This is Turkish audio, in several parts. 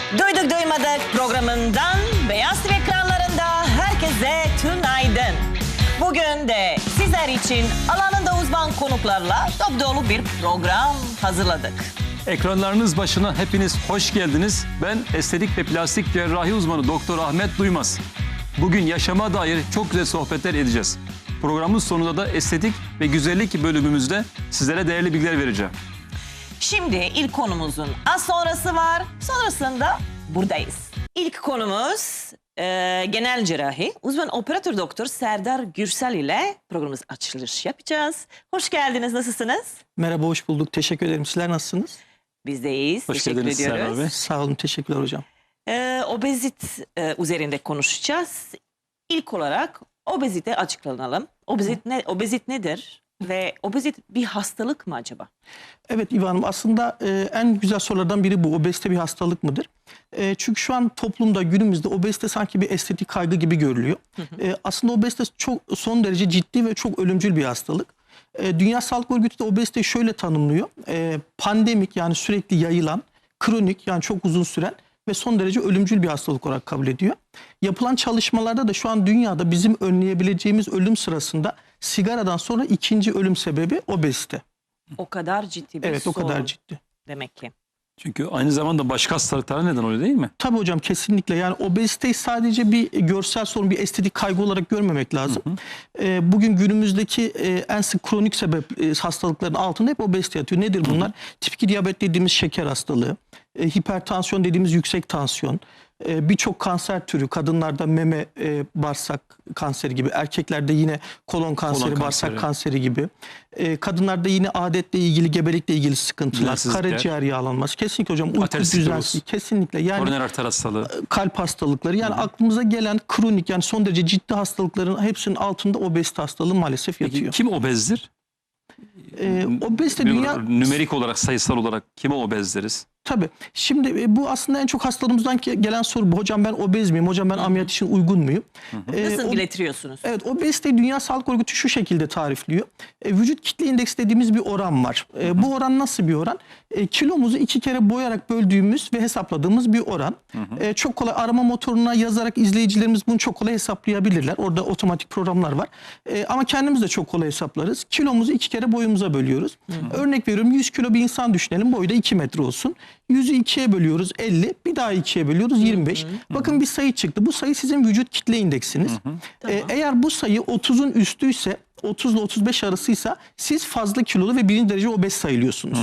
Duyduk duymadık programından Beyaz TV ekranlarında herkese tünaydın. Bugün de sizler için alanında uzman konuklarla dop dolu bir program hazırladık. Ekranlarınız başına hepiniz hoş geldiniz. Ben estetik ve plastik cerrahi uzmanı Doktor Ahmet Duymaz. Bugün yaşama dair çok güzel sohbetler edeceğiz. Programın sonunda da estetik ve güzellik bölümümüzde sizlere değerli bilgiler vereceğim. Şimdi ilk konumuzun az sonrası var. Sonrasında buradayız. İlk konumuz genel cerrahi. Uzman operatör doktor Serdar Gürsel ile programımız açılış yapacağız. Hoş geldiniz. Nasılsınız? Merhaba, hoş bulduk. Teşekkür ederim. Sizler nasılsınız? Biz de iyiyiz. Hoş Teşekkür geldiniz ediyoruz. Serdar Bey. Sağ olun, teşekkürler hocam. Obezit üzerinde konuşacağız. İlk olarak obezite açıklanalım. Obezit nedir? Ve obezit bir hastalık mı acaba? Evet İvan Hanım, aslında en güzel sorulardan biri bu. Obezite bir hastalık mıdır? Çünkü şu an toplumda, günümüzde obezite sanki bir estetik kaygı gibi görülüyor. Aslında obezite çok son derece ciddi ve çok ölümcül bir hastalık. Dünya Sağlık Örgütü de obeziteyi şöyle tanımlıyor. Pandemik, yani sürekli yayılan, kronik, yani çok uzun süren ve son derece ölümcül bir hastalık olarak kabul ediyor. Yapılan çalışmalarda da şu an dünyada bizim önleyebileceğimiz ölüm sırasında sigaradan sonra ikinci ölüm sebebi obezite. O kadar ciddi bir Evet, o kadar sorun ciddi. demek ki. Çünkü aynı zamanda başka hastalıklara neden oluyor değil mi? Tabii hocam, kesinlikle. Yani obeziteyi sadece bir görsel sorun, bir estetik kaygı olarak görmemek lazım. Bugün günümüzdeki en sık kronik sebep hastalıkların altında hep obezite yatıyor. Nedir bunlar? Tip 2 diyabet dediğimiz şeker hastalığı, hipertansiyon dediğimiz yüksek tansiyon, birçok kanser türü, kadınlarda meme, bağırsak kanseri gibi, erkeklerde yine kolon kanseri, bağırsak kanseri gibi, kadınlarda yine adetle ilgili, gebelikle ilgili sıkıntılar, karaciğer yağlanması, kesinlikle hocam, uyku düzensizliği, kesinlikle, yani koroner arter hastalığı, kalp hastalıkları, yani aklımıza gelen kronik, yani son derece ciddi hastalıkların hepsinin altında obezite hastalığı maalesef yatıyor. Peki kim obezdir? Obezite dünya... Nümerik olarak, sayısal olarak kime obez deriz? Tabii. Şimdi bu aslında en çok hastalarımızdan gelen soru bu. Hocam ben obez miyim? Hocam ben ameliyat için uygun muyum? Nasıl getiriyorsunuz? Evet, obeziteyi Dünya Sağlık Örgütü şu şekilde tarifliyor. Vücut kitle indeksi dediğimiz bir oran var. Bu oran nasıl bir oran? Kilomuzu 2 kere boyarak böldüğümüz ve hesapladığımız bir oran. Çok kolay arama motoruna yazarak izleyicilerimiz bunu çok kolay hesaplayabilirler. Orada otomatik programlar var. Ama kendimiz de çok kolay hesaplarız. Kilomuzu 2 kere boyumuza bölüyoruz. Örnek veriyorum, 100 kilo bir insan düşünelim. Boyu da 2 metre olsun. 100'ü 2'ye bölüyoruz 50, bir daha 2'ye bölüyoruz 25. Bakın bir sayı çıktı. Bu sayı sizin vücut kitle indeksiniz. Eğer bu sayı 30'un üstüyse, 30 ile 35 arasıysa siz fazla kilolu ve birinci derece obez sayılıyorsunuz.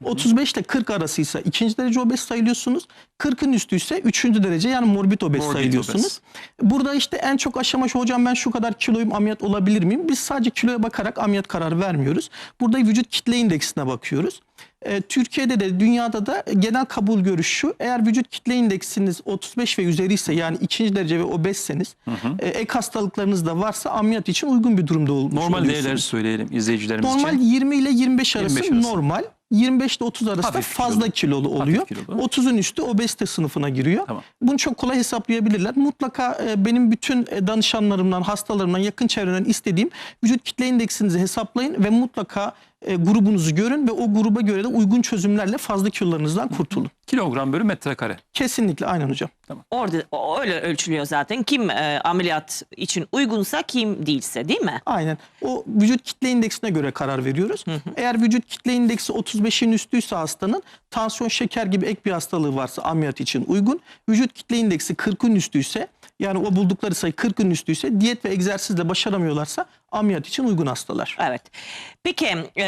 35 ile 40 arasıysa ikinci derece obez sayılıyorsunuz. 40'ın üstüyse üçüncü derece, yani morbid obez sayılıyorsunuz. Burada işte en çok aşama şu: hocam ben şu kadar kiloyum, ameliyat olabilir miyim? Biz sadece kiloya bakarak ameliyat kararı vermiyoruz. Burada vücut kitle indeksine bakıyoruz. Türkiye'de de dünyada da genel kabul görüşü şu: eğer vücut kitle indeksiniz 35 ve üzeri ise, yani ikinci derece ve obezseniz, ek hastalıklarınız da varsa ameliyat için uygun bir durumda olmuş Normal değerleri söyleyelim izleyicilerimiz normal için. 20 ile 25 arası, 25 arası. normal. 25 ile 30 arasında Hafif fazla kilolu oluyor. 30'un üstü obezite sınıfına giriyor. Tamam. Bunu çok kolay hesaplayabilirler. Mutlaka benim bütün danışanlarımdan, hastalarımdan, yakın çevreden istediğim, vücut kitle indeksinizi hesaplayın ve mutlaka grubunuzu görün ve o gruba göre de uygun çözümlerle fazla kilolarınızdan kurtulun. Kilogram bölü metrekare. Kesinlikle, aynen hocam. Orada öyle ölçülüyor zaten. Kim ameliyat için uygunsa, kim değilse, değil mi? Aynen. O vücut kitle indeksine göre karar veriyoruz. Eğer vücut kitle indeksi 35'in üstüyse hastanın, tansiyon, şeker gibi ek bir hastalığı varsa ameliyat için uygun. Vücut kitle indeksi 40'ın üstüyse, yani o buldukları sayı 40'ın üstüyse, diyet ve egzersizle başaramıyorlarsa ameliyat için uygun hastalar. Evet. Peki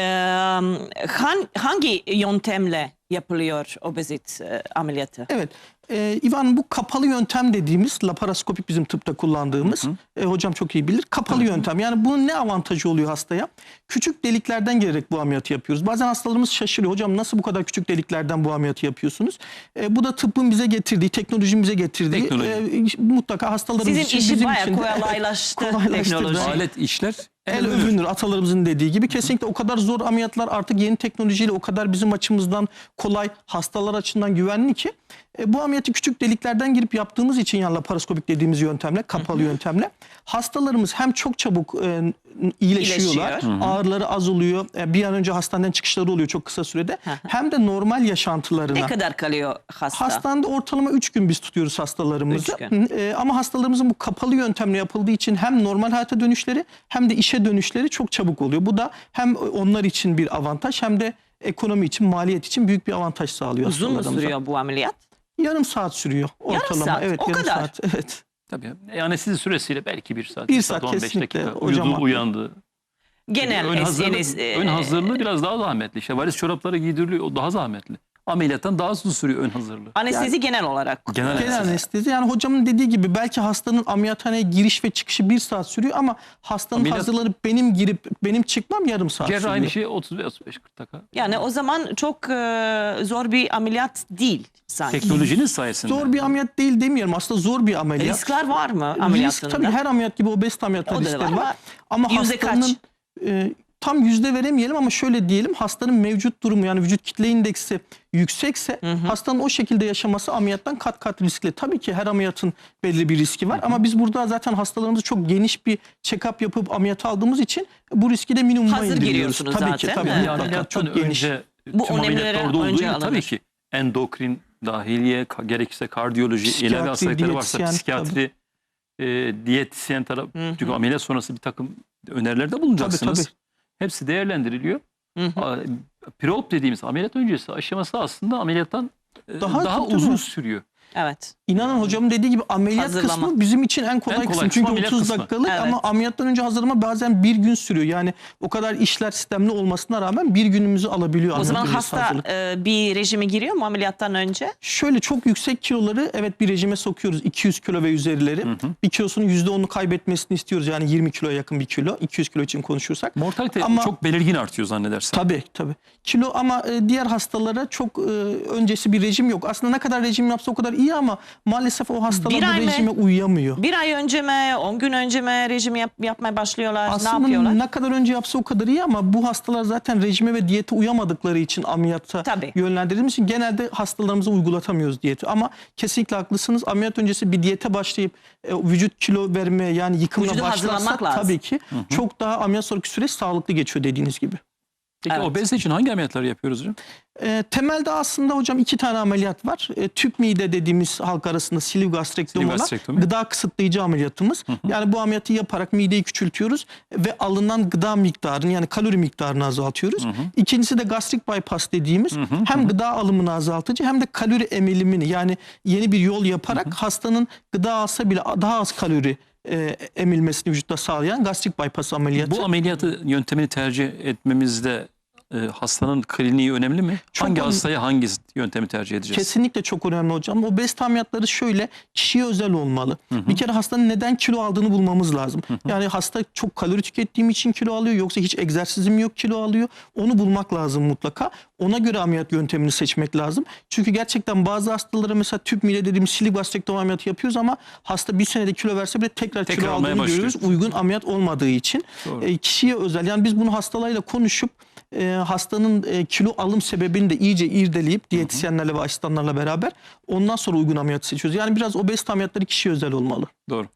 hangi yöntemle yapılıyor obezit ameliyatı? Evet. İvan, bu kapalı yöntem dediğimiz, laparoskopik bizim tıpta kullandığımız, hocam çok iyi bilir, kapalı yöntem. Yani bunun ne avantajı oluyor hastaya? Küçük deliklerden gelerek bu ameliyatı yapıyoruz. Bazen hastalarımız şaşırıyor: hocam nasıl bu kadar küçük deliklerden bu ameliyatı yapıyorsunuz? Bu da tıbbın bize getirdiği, teknolojinin bize getirdiği, mutlaka hastalarımız sizin için, işi bizim bayağı için de kolaylaştı kolaylaştırdı. teknoloji. Alet işler El övünür, atalarımızın dediği gibi. Kesinlikle o kadar zor ameliyatlar artık yeni teknolojiyle o kadar bizim açımızdan kolay, hastalar açısından güvenli ki Bu ameliyatı küçük deliklerden girip yaptığımız için, yani laparoskopik dediğimiz yöntemle, kapalı yöntemle hastalarımız hem çok çabuk iyileşiyorlar, İyileşiyor. ağrıları az oluyor, bir an önce hastaneden çıkışları oluyor çok kısa sürede, hem de normal yaşantılarına. Ne kadar kalıyor hasta? Hastanede ortalama 3 gün biz tutuyoruz hastalarımızı. 3 gün. Ama hastalarımızın bu kapalı yöntemle yapıldığı için hem normal hayata dönüşleri hem de işe dönüşleri çok çabuk oluyor. Bu da hem onlar için bir avantaj hem de ekonomi için, maliyet için büyük bir avantaj sağlıyor Uzun mu hastalarımıza. sürüyor bu ameliyat? Yarım saat sürüyor ortalama. saat, Evet, o yarım kadar. saat. Evet. Tabii. Anestezi süresiyle belki 1 saat, 1 1 saat 15 kesinlikle dakika. hocam. Uyudu, uyandı. Genel Ön hazırlığı biraz daha zahmetli. İşte varis çorapları giydiriliyor. O daha zahmetli. Ameliyattan daha uzun sürüyor ön hazırlığı. anestezi genel olarak. Genel anestezi. Yani hocamın dediği gibi belki hastanın ameliyathaneye giriş ve çıkışı 1 saat sürüyor ama hastanın hazırlanıp benim girip benim çıkmam yarım saat Cerrahi sürüyor. bir şey 35-40 dakika. Yani o zaman çok zor bir ameliyat değil sanki. Teknolojinin sayesinde. Zor bir ameliyat değil demiyorum. Aslında zor bir ameliyat. Riskler var mı Risk ameliyatında? tabii her ameliyat gibi obezite ameliyatında O da riskleri var var. Ama yüzde hastanın tam yüzde veremeyelim ama şöyle diyelim, hastanın mevcut durumu, yani vücut kitle indeksi yüksekse hastanın o şekilde yaşaması ameliyattan kat kat riskli. Tabii ki her ameliyatın belli bir riski var ama biz burada zaten hastalarımızı çok geniş bir check-up yapıp ameliyat aldığımız için bu riski de minimuma Hazır indiriyoruz. giriyorsunuz Tabii zaten, ki tabii. değil mi? Mutlaka, Ameliyattan çok geniş. önce Bu tüm önemlilere ameliyatlarda olduğu önce gibi tabii alınır. ki endokrin, dahiliye, gerekirse kardiyoloji, Psikiyatri, ilave hastalıkları varsa diyetisyen, psikiyatri, diyetisyen taraf. Çünkü ameliyat sonrası bir takım önerilerde bulunacaksınız. Tabii. Hepsi değerlendiriliyor. Preop dediğimiz ameliyat öncesi aşaması aslında ameliyattan daha tabii, uzun tabii. sürüyor. Evet. İnanın hocamın dediği gibi ameliyat Hazırlama. kısmı bizim için en kolay En kolay kısım. kısmı Çünkü ameliyat 30 kısmı. dakikalık Evet. ama ameliyattan önce hazırlama bazen 1 gün sürüyor. Yani o kadar işler sistemli olmasına rağmen 1 günümüzü alabiliyor. O zaman ameliyat öncesi hasta hazırlık. bir rejime giriyor mu ameliyattan önce? Şöyle çok yüksek kiloları evet bir rejime sokuyoruz. 200 kilo ve üzerleri. Bir kilosunun %10'unu kaybetmesini istiyoruz. Yani 20 kiloya yakın bir kilo. 200 kilo için konuşursak. Mortalite Ama- çok belirgin artıyor zannedersem. Tabii. Kilo ama diğer hastalara çok öncesi bir rejim yok. Aslında ne kadar rejim yapsa o kadar iyi ama maalesef o hastalar Bir ay bu mı? rejime uyuyamıyor. Bir ay önce mi, 10 gün önce mi rejim yapmaya başlıyorlar? Ne Aslında yapıyorlar? ne kadar önce yapsa o kadar iyi ama bu hastalar zaten rejime ve diyete uyamadıkları için ameliyata Tabii. yönlendirildiğimiz için genelde hastalarımıza uygulatamıyoruz diyeti. Ama kesinlikle haklısınız. Ameliyat öncesi bir diyete başlayıp vücut kilo vermeye yani yıkımına Vücudu başlarsak hazırlamak lazım. tabii ki çok daha ameliyat sonraki süreç sağlıklı geçiyor dediğiniz gibi. Peki Evet. obezite için hangi ameliyatları yapıyoruz hocam? Temelde aslında hocam 2 tane ameliyat var. Tüp mide dediğimiz halk arasında sleeve gastrektomi Sleeve olan gastrektomi. gıda kısıtlayıcı ameliyatımız. Yani bu ameliyatı yaparak mideyi küçültüyoruz ve alınan gıda miktarını yani kalori miktarını azaltıyoruz. İkincisi de gastrik bypass dediğimiz hem gıda alımını azaltıcı hem de kalori emilimini yani yeni bir yol yaparak hastanın gıda alsa bile daha az kalori emilmesini vücutta sağlayan gastrik bypass ameliyatı. Bu ameliyatı yöntemini tercih etmemizde hastanın kliniği önemli mi? Çok Hangi önemli. hastaya hangi yöntemi tercih edeceğiz? Kesinlikle çok önemli hocam. Obezite ameliyatları şöyle kişiye özel olmalı. Bir kere hastanın neden kilo aldığını bulmamız lazım. Yani hasta çok kalori tükettiğim için kilo alıyor yoksa hiç egzersizim yok kilo alıyor. Onu bulmak lazım mutlaka. Ona göre ameliyat yöntemini seçmek lazım. Çünkü gerçekten bazı hastalara mesela tüp mide dediğimiz sleeve gastrektomi ameliyatı yapıyoruz ama hasta bir senede kilo verse bile tekrar kilo almaya aldığını başlıyor. görüyoruz. Uygun ameliyat olmadığı için. Kişiye özel. Yani biz bunu hastalarıyla konuşup hastanın kilo alım sebebini de iyice irdeleyip diyetisyenlerle ve asistanlarla beraber ondan sonra uygun ameliyatı seçiyoruz. Yani biraz obezite ameliyatları kişiye özel olmalı. Doğru.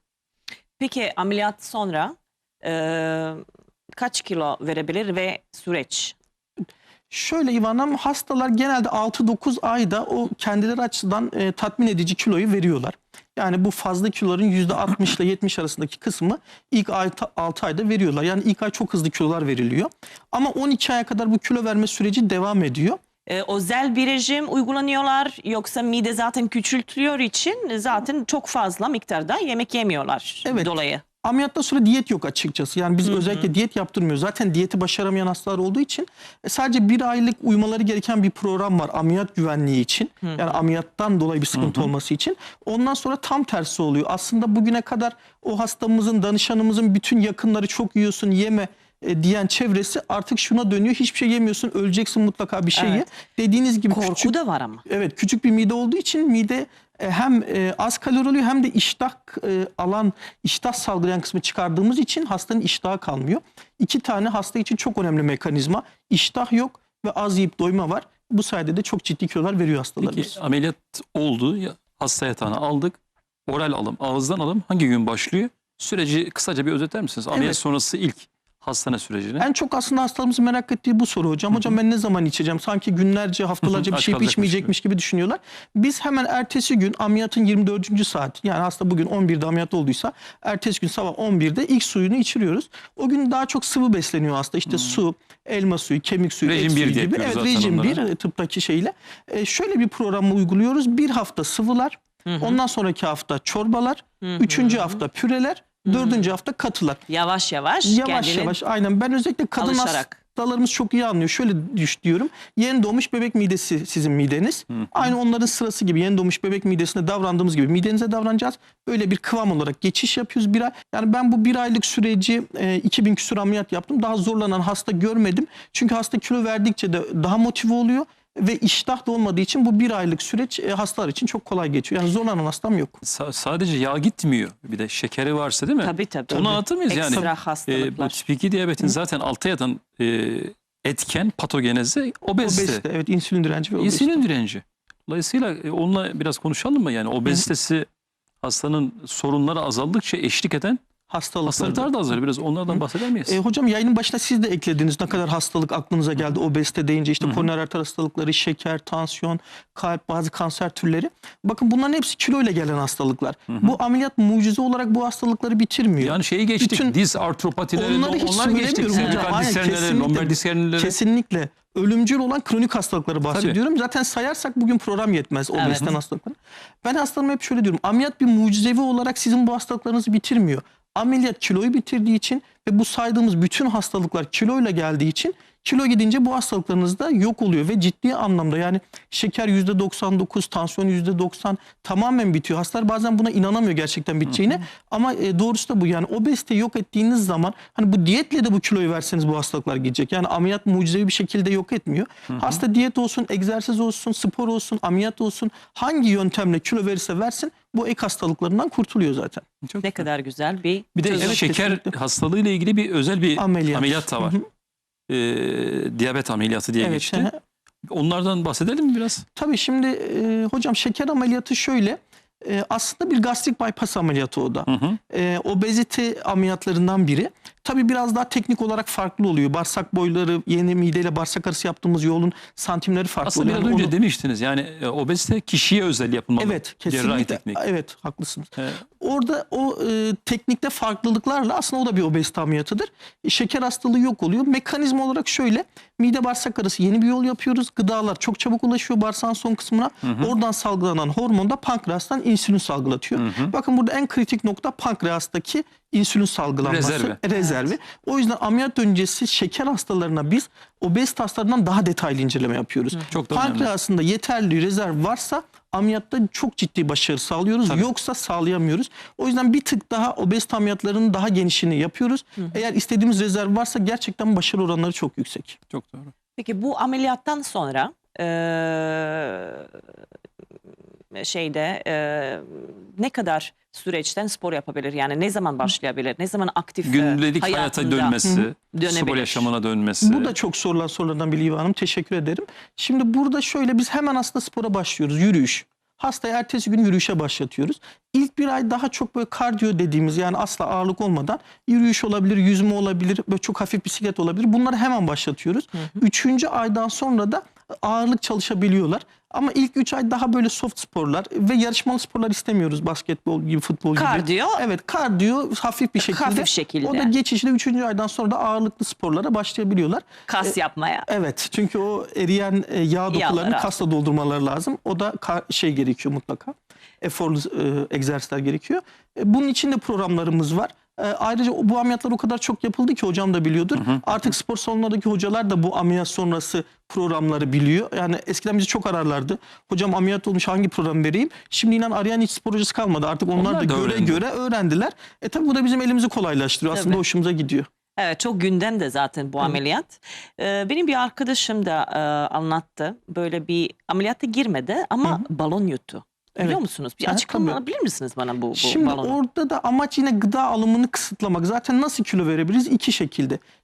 Peki ameliyat sonra kaç kilo verebilir ve süreç? Şöyle İvan hastalar genelde 6-9 ayda o kendileri açısından tatmin edici kiloyu veriyorlar. Yani bu fazla kiloların %60 ile 70 arasındaki kısmı ilk 6 ayda veriyorlar. Yani ilk ay çok hızlı kilolar veriliyor. Ama 12 aya kadar bu kilo verme süreci devam ediyor. Özel bir rejim uygulanıyorlar yoksa mide zaten küçültüyor için zaten çok fazla miktarda yemek yemiyorlar Evet. dolayı. Ameliyattan sonra diyet yok açıkçası. Yani biz özellikle diyet yaptırmıyoruz. Zaten diyeti başaramayan hastalar olduğu için sadece 1 aylık uymaları gereken bir program var ameliyat güvenliği için. Yani ameliyattan dolayı bir sıkıntı olması için. Ondan sonra tam tersi oluyor. Aslında bugüne kadar o hastamızın, danışanımızın bütün yakınları çok yiyorsun yeme diyen çevresi artık şuna dönüyor. Hiçbir şey yemiyorsun, öleceksin mutlaka bir şey ye. Evet. Dediğiniz gibi Korku küçük, da var ama. evet küçük bir mide olduğu için mide hem az kalori oluyor hem de iştah salgılayan kısmı çıkardığımız için hastanın iştahı kalmıyor. 2 tane hasta için çok önemli mekanizma. İştah yok ve az yiyip doyma var. Bu sayede de çok ciddi kilolar veriyor hastalarımız. Peki ameliyat oldu, hasta yatağına aldık. Oral alım, ağızdan alım hangi gün başlıyor? Süreci kısaca bir özetler misiniz? Ameliyat Evet. sonrası ilk hastane sürecini. En çok aslında hastalarımızın merak ettiği bu soru hocam. Hocam ben ne zaman içeceğim? Sanki günlerce, haftalarca bir Aç şey kalacakmış içmeyecekmiş gibi düşünüyorlar. Biz hemen ertesi gün ameliyatın 24. saat, yani hasta bugün 11'de ameliyat olduysa ertesi gün sabah 11'de ilk suyunu içiriyoruz. O gün daha çok sıvı besleniyor hasta. İşte su, elma suyu, kemik suyu, Rejim et bir suyu diye gibi. yapıyoruz Evet, zaten rejim onlara. 1 tıptaki şeyle. Şöyle bir programı uyguluyoruz. Bir hafta sıvılar, ondan sonraki hafta çorbalar, üçüncü hafta püreler, dördüncü hafta katılar. Yavaş yavaş. Yavaş kendini yavaş, aynen. Ben özellikle kadın alışarak. hastalarımız çok iyi anlıyor. Şöyle diyorum. Yeni doğmuş bebek midesi sizin mideniz. Aynı onların sırası gibi, yeni doğmuş bebek midesine davrandığımız gibi midenize davranacağız. Böyle bir kıvam olarak geçiş yapıyoruz bir ay. Yani ben bu bir aylık süreci 2000 küsur ameliyat yaptım. Daha zorlanan hasta görmedim. Çünkü hasta kilo verdikçe de daha motive oluyor. Ve iştah da olmadığı için bu bir aylık süreç hastalar için çok kolay geçiyor. Yani zorlanan hastam yok. Sadece yağ gitmiyor. Bir de şekeri varsa değil mi? Tabii. Onu anlatır mıyız yani? Ekstra Bu hastalıklar. tip 2 diyabetin zaten altta yatan etken patogenezi obezite. Obezite, evet, insülin direnci ve obezite. İnsülin direnci. Dolayısıyla onunla biraz konuşalım mı? Yani obezitesi hastanın sorunları azaldıkça eşlik eden hastalıklar da azalır. Biraz onlardan bahseder miyiz? Hocam yayının başında siz de eklediniz ne kadar hastalık aklınıza geldi. Obezite deyince işte koroner arter hastalıkları, şeker, tansiyon, kalp, bazı kanser türleri. Bakın bunların hepsi kilo ile gelen hastalıklar. Bu ameliyat mucize olarak bu hastalıkları bitirmiyor. Yani şeyi geçtik. Bütün- Diz artropatileri, Onları hiç onlar geçtik. söylemiyorum hocam. Servikal Aynen, diz hernialeri, lomber diz hernialeri. Kesinlikle. Ölümcül olan kronik hastalıkları bahsediyorum. Zaten sayarsak bugün program yetmez obeziten hastalıkları. Ben hastalarıma hep şöyle diyorum. Ameliyat bir mucizevi olarak sizin bu hastalıklarınızı bitirmiyor. Ameliyat kiloyu bitirdiği için ve bu saydığımız bütün hastalıklar kiloyla geldiği için kilo gidince bu hastalıklarınız da yok oluyor ve ciddi anlamda, yani şeker %99, tansiyon %90 tamamen bitiyor. Hastalar bazen buna inanamıyor gerçekten biteceğine ama doğrusu da bu. Yani obeziteyi yok ettiğiniz zaman, hani bu diyetle de bu kiloyu verseniz bu hastalıklar gidecek. Yani ameliyat mucizevi bir şekilde yok etmiyor. Hasta diyet olsun, egzersiz olsun, spor olsun, ameliyat olsun, hangi yöntemle kilo verirse versin bu ek hastalıklarından kurtuluyor zaten. Çok Ne güzel. kadar güzel bir Bir de Evet, şeker kesinlikle. hastalığı ile ilgili bir özel bir ameliyat da var. Diyabet ameliyatı diye geçti. hı hı. Onlardan bahsedelim mi biraz? Tabii şimdi hocam şeker ameliyatı şöyle. Aslında bir gastrik bypass ameliyatı o da. Obezite ameliyatlarından biri. Tabii biraz daha teknik olarak farklı oluyor. Bağırsak boyları, yeni mideyle bağırsak arası yaptığımız yolun santimleri farklı Aslında oluyor. biraz Yani önce onu- demiştiniz yani obezite kişiye özel yapılmalı. Evet, Cerrahi kesinlikle. teknik. Evet, haklısınız. Evet. Orada o teknikte farklılıklarla aslında o da bir obezite ameliyatıdır. Şeker hastalığı yok oluyor. Mekanizma olarak şöyle: mide bağırsak arası yeni bir yol yapıyoruz. Gıdalar çok çabuk ulaşıyor bağırsağın son kısmına. Oradan salgılanan hormon da pankreastan insülin salgılatıyor. Bakın burada en kritik nokta pankreastaki insülin salgılanması. Rezervi. O yüzden ameliyat öncesi şeker hastalarına biz obezite hastalarından daha detaylı inceleme yapıyoruz. Çok da önemli. Pankreasında yeterli rezerv varsa ameliyatta çok ciddi başarı sağlıyoruz. Tabii. Yoksa sağlayamıyoruz. O yüzden bir tık daha obezite ameliyatlarının daha genişini yapıyoruz. Eğer istediğimiz rezerv varsa gerçekten başarı oranları çok yüksek. Çok doğru. Peki bu ameliyattan sonra ne kadar süreçten spor yapabilir? Yani ne zaman başlayabilir? Ne zaman aktif Gündelik hayata hayatında dönmesi, dönebilir? spor yaşamına dönmesi. Bu da çok sorulan sorulardan biri İva Hanım. Teşekkür ederim. Şimdi burada şöyle, biz hemen aslında spora başlıyoruz. Yürüyüş. Hastayı ertesi gün yürüyüşe başlatıyoruz. İlk bir ay daha çok böyle kardiyo dediğimiz, yani asla ağırlık olmadan yürüyüş olabilir, yüzme olabilir, böyle çok hafif bisiklet olabilir. Bunları hemen başlatıyoruz. Üçüncü aydan sonra da ağırlık çalışabiliyorlar. Ama ilk 3 ay daha böyle soft sporlar ve yarışmalı sporlar istemiyoruz. Basketbol gibi, futbol gibi. Kardiyo. Evet, kardiyo hafif bir şekilde. Hafif şekilde. O da geçişle 3. aydan sonra da ağırlıklı sporlara başlayabiliyorlar. Kas yapmaya. Evet, çünkü o eriyen yağ dokularını Yağları. kasla doldurmaları lazım. O da gerekiyor mutlaka. Eforlu egzersizler gerekiyor. Bunun için de programlarımız var. Ayrıca bu ameliyatlar o kadar çok yapıldı ki hocam da biliyordur. Artık spor salonlarındaki hocalar da bu ameliyat sonrası programları biliyor. Yani eskiden bizi çok ararlardı. Hocam ameliyat olmuş, hangi program vereyim? Şimdi inan arayan hiç spor hocası kalmadı. Artık onlar da göre öğrendiler. Tabii bu da bizim elimizi kolaylaştırıyor. Aslında Tabii. hoşumuza gidiyor. Evet, çok gündemde zaten bu ameliyat. Benim bir arkadaşım da anlattı. Böyle bir ameliyata girmedi ama balon yuttu. Biliyor Evet. musunuz? Bir Ha, açıklama tabii. alabilir misiniz bana bu Şimdi balonu? orada da amaç yine gıda alımını kısıtlamak. Zaten nasıl kilo verebiliriz? İki şekilde.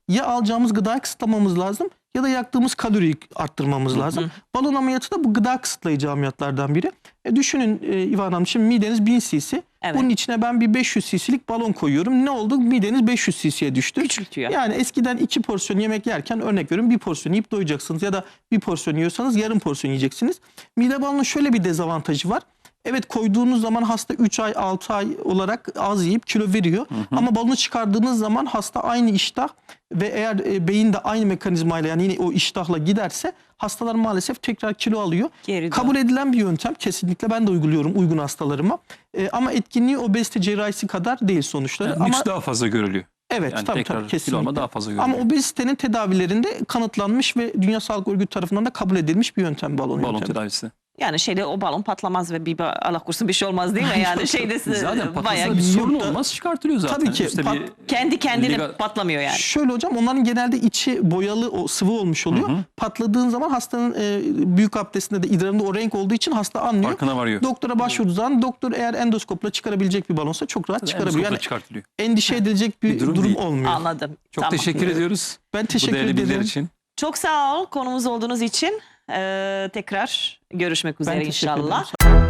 ya alacağımız gıdayı kısıtlamamız lazım ya da yaktığımız kaloriyi arttırmamız lazım. Balon ameliyatı da bu gıda kısıtlayıcı ameliyatlardan biri. Düşünün İvan Hanım, şimdi mideniz 1000 cc. Evet. Bunun içine ben bir 500 cc'lik balon koyuyorum. Ne oldu? Mideniz 500 cc'ye düştü. Küçültüyor. Yani eskiden 2 porsiyon yemek yerken, örnek veriyorum, bir porsiyon yiyip doyacaksınız. Ya da bir porsiyon yiyorsanız yarım porsiyon yiyeceksiniz. Mide balonunun şöyle bir dezavantajı var. Evet, koyduğunuz zaman hasta 3 ay 6 ay olarak az yiyip kilo veriyor. Ama balonu çıkardığınız zaman hasta aynı iştah ve eğer beyin de aynı mekanizmayla, yani yine o iştahla giderse hastalar maalesef tekrar kilo alıyor. Geri Kabul edilen bir yöntem, kesinlikle ben de uyguluyorum uygun hastalarıma. Ama etkinliği obezite cerrahisi kadar değil sonuçları. Yani Ama güç daha fazla görülüyor. evet, Yani tabii tekrar kilo kesinlikle. alma daha fazla görülüyor. Ama obezitenin tedavilerinde kanıtlanmış ve Dünya Sağlık Örgütü tarafından da kabul edilmiş bir yöntem balon Balon yöntemi. tedavisi. Yani o balon patlamaz ve Allah korusun bir şey olmaz değil mi? Yani Zaten bayağı patlasa bir sorun Yok da- olmaz, çıkartılıyor zaten. Tabii ki, İşte kendi kendine Liga- patlamıyor yani. Şöyle hocam, onların genelde içi boyalı, o sıvı olmuş oluyor. Patladığın zaman hastanın büyük abdestinde de idrarında o renk olduğu için hasta anlıyor. Farkına varıyor. Doktora başvurduğu zaman doktor eğer endoskopla çıkarabilecek bir balonsa çok rahat çıkarabiliyor. Endoskopla Yani çıkartılıyor. endişe edilecek bir durum durum değil. olmuyor. Anladım. Çok Tamam. teşekkür ediyoruz. Ben Bu teşekkür değerli bilgiler ederim. için. Çok sağ ol konumuz olduğunuz için. Tekrar görüşmek üzere Ben teşekkür inşallah. ederim.